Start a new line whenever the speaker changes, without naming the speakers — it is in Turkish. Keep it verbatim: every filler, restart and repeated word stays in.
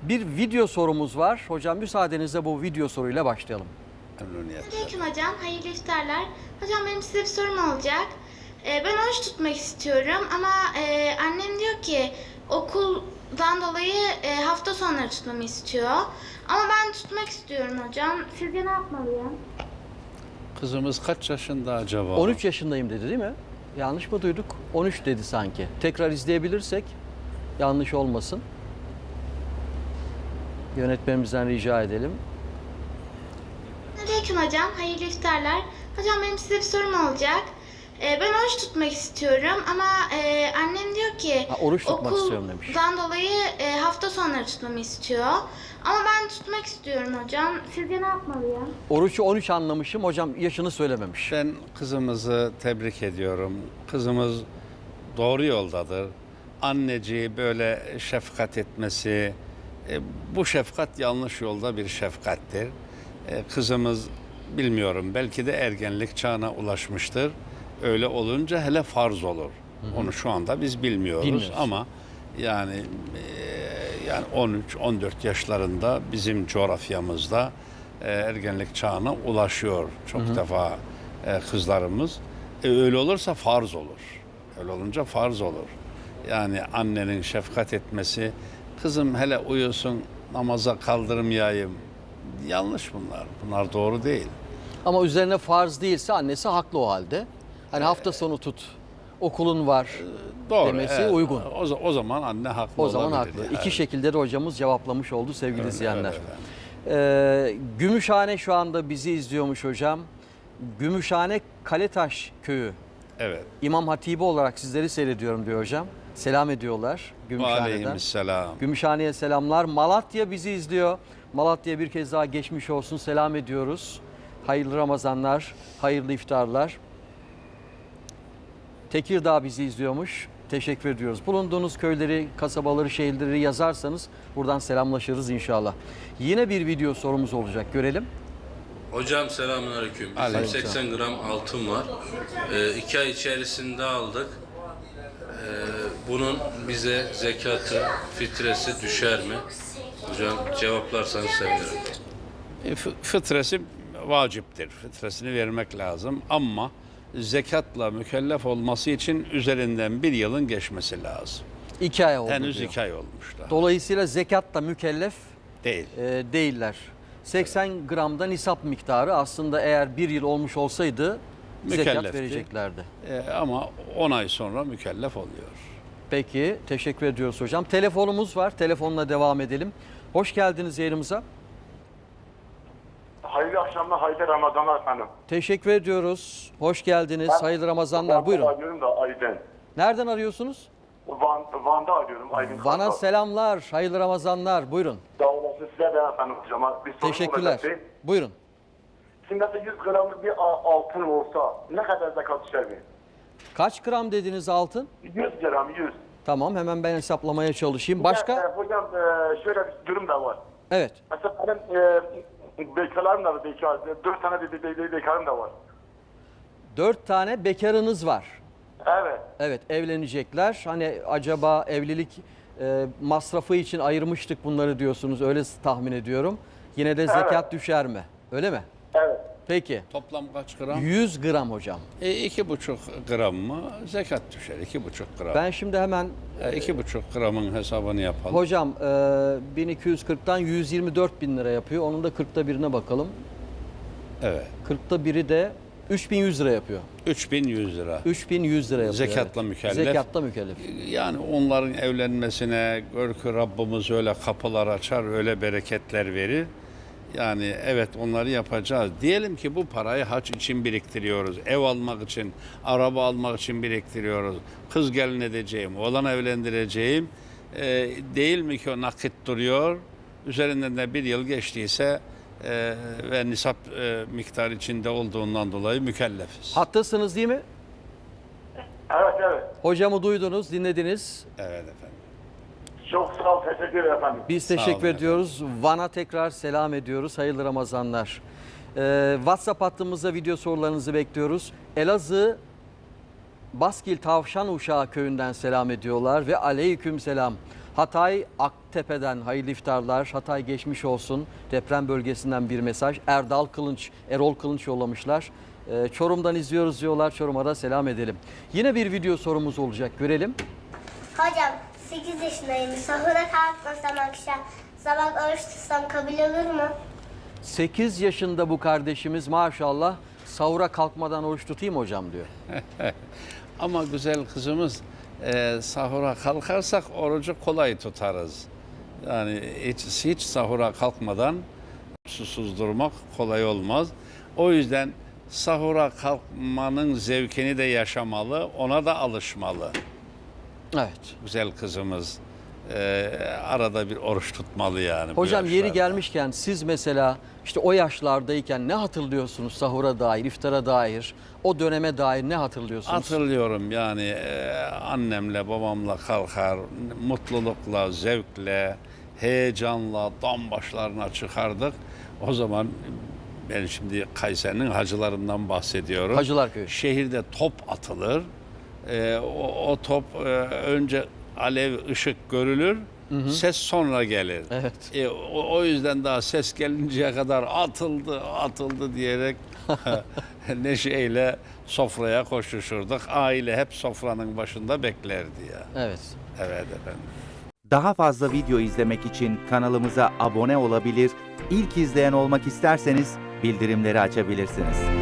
Bir video sorumuz var. Hocam müsaadenizle bu video soruyla başlayalım.
Aleyküm hocam, hayırlı iftarlar. Hocam benim size bir sorum olacak. Ee, ben oruç tutmak istiyorum ama e, annem diyor ki okuldan dolayı e, hafta sonları tutmamı istiyor. Ama ben tutmak istiyorum hocam. Sizce ne yapmalıyım?
Kızımız kaç yaşında acaba?
on üç yaşındayım dedi değil mi? Yanlış mı duyduk? on üç dedi sanki. Tekrar izleyebilirsek yanlış olmasın. Yönetmenimizden rica edelim.
Aleyküm hocam, hayırlı iftarlar. Hocam benim size bir sorum olacak. Ee, ben oruç tutmak istiyorum ama e, annem diyor ki
Ha, oruç tutmak istiyorum demiş.
okuldan dolayı e, hafta sonları tutmamı istiyor. Ama ben tutmak istiyorum hocam. Sizce ne yapmalıyım?
Oruç'u on üç anlamışım. Hocam yaşını söylememiş.
Ben kızımızı tebrik ediyorum. Kızımız doğru yoldadır. Anneciği böyle şefkat etmesi, e, bu şefkat yanlış yolda bir şefkattir. E, kızımız bilmiyorum belki de ergenlik çağına ulaşmıştır. Öyle olunca hele farz olur. Hı hı. Onu şu anda biz bilmiyoruz,
Bilmiyoruz.
ama yani e, yani on üç on dört yaşlarında bizim coğrafyamızda e, ergenlik çağına ulaşıyor çok
Hı hı.
defa e, kızlarımız. E, öyle olursa farz olur. Öyle olunca farz olur. Yani annenin şefkat etmesi, kızım hele uyusun namaza kaldırmayayım. Yanlış bunlar. Bunlar doğru değil.
Ama üzerine farz değilse annesi haklı o halde. Hani hafta sonu tut, okulun var
Doğru.
demesi
evet.
uygun.
O, o zaman anne haklı
O zaman
olabilir.
haklı.
Yani.
İki şekilde de hocamız cevaplamış oldu sevgili
Öyle,
izleyenler.
öyle
Ee, Gümüşhane şu anda bizi izliyormuş hocam. Gümüşhane Kaletaş Köyü.
Evet.
İmam Hatibi olarak sizleri seyrediyorum diyor hocam. Selam ediyorlar Gümüşhane'den.
Aleykümselam.
Gümüşhane'ye selamlar. Malatya bizi izliyor. Malatya'ya bir kez daha geçmiş olsun. Selam ediyoruz. Hayırlı Ramazanlar, hayırlı iftarlar. Tekirdağ bizi izliyormuş. Teşekkür ediyoruz. Bulunduğunuz köyleri, kasabaları, şehirleri yazarsanız buradan selamlaşırız inşallah. Yine bir video sorumuz olacak. Görelim.
Hocam selamünaleyküm. Bizim
Aleyküm.
seksen gram altın var. Ee, iki ay içerisinde aldık. Ee, bunun bize zekatı, fitresi düşer mi? Hocam cevaplarsanız sevinirim.
E, fı- Fıtresi vaciptir. Fıtresini vermek lazım ama zekatla mükellef olması için üzerinden bir yılın geçmesi lazım.
İki ay oldu
Henüz
diyor.
iki ay olmuşlar.
Dolayısıyla zekatla mükellef
Değil.
e, değiller. seksen gramda nisap miktarı aslında eğer bir yıl olmuş olsaydı zekat
Mükellefti.
vereceklerdi.
E, ama on ay sonra mükellef oluyor.
Peki teşekkür ediyoruz hocam. Telefonumuz var. Telefonla devam edelim. Hoş geldiniz yayınımıza.
Hayırlı akşamlar, hayırlı Ramazanlar efendim.
Teşekkür ediyoruz. Hoş geldiniz. Hayırlı Ramazanlar.
Van'da
Buyurun.
arıyorum da Aydın.
Nereden arıyorsunuz?
Van, Van'da arıyorum Aydın.
Bana
Kartal.
selamlar. Hayırlı Ramazanlar. Buyurun.
Sağ olasın, size de efendim hocama. Bir sorum
Teşekkürler.
olacaktı.
Buyurun.
Şimdi mesela yüz gramlık bir a- altın olsa ne kadar zekat düşer mi?
Kaç gram dediniz altın?
yüz gram, yüz.
Tamam hemen ben hesaplamaya çalışayım.
Ya,
Başka?
e, hocam e, şöyle bir durum da var.
Evet.
Mesela benim e, bekarlarım da var, bekar. Dört tane de, de, de, bekarım da var.
Dört tane bekarınız var.
Evet.
Evet evlenecekler. Hani acaba evlilik e, masrafı için ayırmıştık bunları diyorsunuz. Öyle tahmin ediyorum. Yine de zekat
Evet.
düşer mi? Öyle mi?
Evet.
Peki.
Toplam kaç gram?
yüz gram hocam.
E, iki buçuk gram mı? Zekat düşer. iki buçuk gram.
Ben şimdi hemen
E, iki buçuk gramın hesabını yapalım.
hocam e, bin iki yüz kırktan yüz yirmi dört bin lira yapıyor. Onun da kırkta birine bakalım.
Evet.
kırkta biri de üç bin yüz lira yapıyor.
üç bin yüz lira.
üç bin yüz lira yapıyor.
Zekatla
evet.
mükellef.
Zekatla mükellef.
Yani onların evlenmesine gör ki Rabbimiz öyle kapılar açar, öyle bereketler verir. Yani evet onları yapacağız. Diyelim ki bu parayı hac için biriktiriyoruz. Ev almak için, araba almak için biriktiriyoruz. Kız gelin edeceğim, oğlan evlendireceğim. Ee, değil mi ki o nakit duruyor? Üzerinden de bir yıl geçtiyse e, ve nisap e, miktarı içinde olduğundan dolayı mükellefiz.
Hattasınız değil mi?
Evet, evet.
Hocamı duydunuz, dinlediniz.
Evet efendim.
Çok sağ ol, teşekkür ederim efendim.
Biz
Sağ
teşekkür
olun
ediyoruz. Van'a tekrar selam ediyoruz. Hayırlı Ramazanlar. Ee, WhatsApp hattımızda video sorularınızı bekliyoruz. Elazığ Baskil Tavşan Uşağı köyünden selam ediyorlar ve aleyküm selam. Hatay Aktepe'den hayırlı iftarlar. Hatay geçmiş olsun. Deprem bölgesinden bir mesaj. Erdal Kılınç, Erol Kılınç yollamışlar. Ee, Çorum'dan izliyoruz diyorlar. Çorum'a da selam edelim. Yine bir video sorumuz olacak. Görelim.
Hocam sekiz yaşındayım. Sahura kalkmasam akşam sabah oruç tutsam kabul olur mu?
sekiz yaşında bu kardeşimiz maşallah sahura kalkmadan oruç tutayım hocam diyor.
Ama güzel kızımız e, sahura kalkarsak orucu kolay tutarız. Yani hiç, hiç sahura kalkmadan susuz durmak kolay olmaz. O yüzden sahura kalkmanın zevkini de yaşamalı, ona da alışmalı.
Evet.
Güzel kızımız e, arada bir oruç tutmalı yani. bu
Hocam yeri
yaşlarda.
gelmişken siz mesela işte o yaşlardayken ne hatırlıyorsunuz sahura dair, iftara dair, o döneme dair ne hatırlıyorsunuz?
Hatırlıyorum yani e, annemle babamla kalkar, mutlulukla, zevkle, heyecanla dam başlarına çıkardık. O zaman ben şimdi Kayseri'nin hacılarından bahsediyorum.
Hacılar Köyü.
Şehirde top atılır. E, o, o top e, önce alev, ışık görülür, ses sonra gelir.
Evet.
E, o, o yüzden daha ses gelinceye kadar atıldı, atıldı diyerek neşeyle sofraya koşuşurduk. Aile hep sofranın başında beklerdi ya.
Evet.
Evet efendim.
Daha fazla video izlemek için kanalımıza abone olabilir, ilk izleyen olmak isterseniz bildirimleri açabilirsiniz.